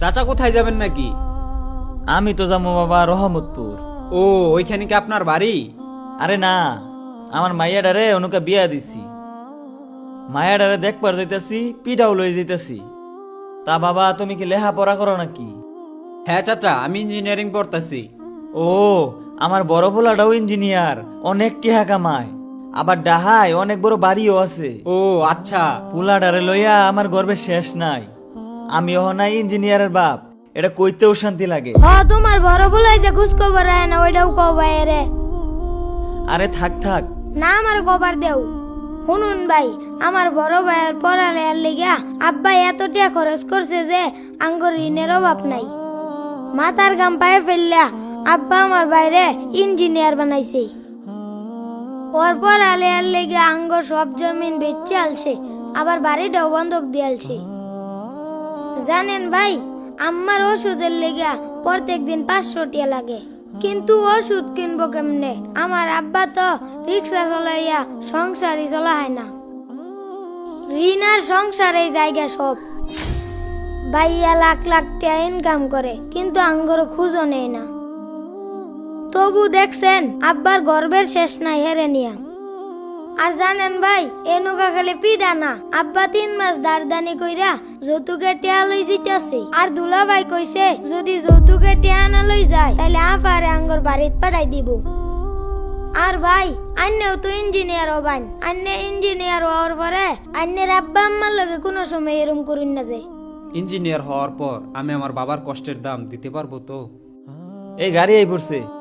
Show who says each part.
Speaker 1: চাচা কোথায় যাবেন নাকি?
Speaker 2: আমি তো যাবো বাবা রহমতপুর।
Speaker 1: ও, ওইখানে কি আপনার বাড়ি?
Speaker 2: আরে না, আমার মাইয়াডারে অনুকা বিয়া দিছি। মায়াডারে দেখবার যাইতাছি, পিঠাও লই যাইতাছি। তা বাবা তুমি কি লেহা পড়া করো নাকি?
Speaker 1: হ্যাঁ চাচা, আমি ইঞ্জিনিয়ারিং পড়তাছি।
Speaker 2: ও, আমার বড় পোলাটাও ইঞ্জিনিয়ার, অনেক টিহা কামায়, আবার ডাহায় অনেক বড় বাড়িও আছে।
Speaker 1: ও আচ্ছা।
Speaker 2: পোলাডারে লইয়া আমার গর্বের শেষ নাই। আমি নাই ইঞ্জিনিয়ারের বাপ, এটা কইতেও শান্তি লাগে।
Speaker 3: তোমার বড় বলাই যে ঘুষ খবর আয় না ওইটাও কবাই রে।
Speaker 2: আরে থাক থাক,
Speaker 3: না আমার কবার দেও। শুনুন ভাই, আমার বড় ভাইয়ের পড়ালেখার লিগা আব্বা এত টাকা খরচ করছে যে আঙ্গুর ঋণের অভাব নাই। মাথার গাম পায়ে ফেললা আব্বা আমার বাইরে ইঞ্জিনিয়ার বানাইছে। ওর পড়ালেখার লিগা আঙ্গুর সব জমিন বেচে আলছে, আবার বাড়িটাও বন্ধক দিয়ালছে। জানেন ভাই, আমার ওষুধের লেগা প্রত্যেক দিন 500 টাকা লাগে, কিন্তু ওষুধ কিনবো কেমনে? আমার আব্বা তো রিক্সা চলাইয়া সংসারই চলা হয় না। ঋণ আর সংসারে জায়গা সব। ভাইয়া লাখ লাখ টাকা ইনকাম করে, কিন্তু আঙ্গর খুঁজো নেই না। তবু দেখছেন আব্বার গর্বের শেষ নাই হেরে নিয়া। আর জানেন ভাই, এনুকা খালি পিডা না, আব্বা 3 মাস দারদানি কইরা যৌতুকের টিয়া লই জিতেছে। আর দুলা ভাই কইছে যদি যৌতুকের টিয়া না লই যায় তাহলে আফারে আঙ্গর বাড়িত পাঠাই দিব। আর ভাই, আন্নেও তো ইঞ্জিনিয়ার হবান। আন্নে ইঞ্জিনিয়ার হওয়ার পরে আন্নের আব্বা আম্মার লগে কোনো সময় এরম করুন না যে।
Speaker 1: ইঞ্জিনিয়ার হওয়ার পর আমি আমার বাবার কষ্টের দাম দিতে পারবো তো?
Speaker 2: এই গাড়ি এই পড়ছে।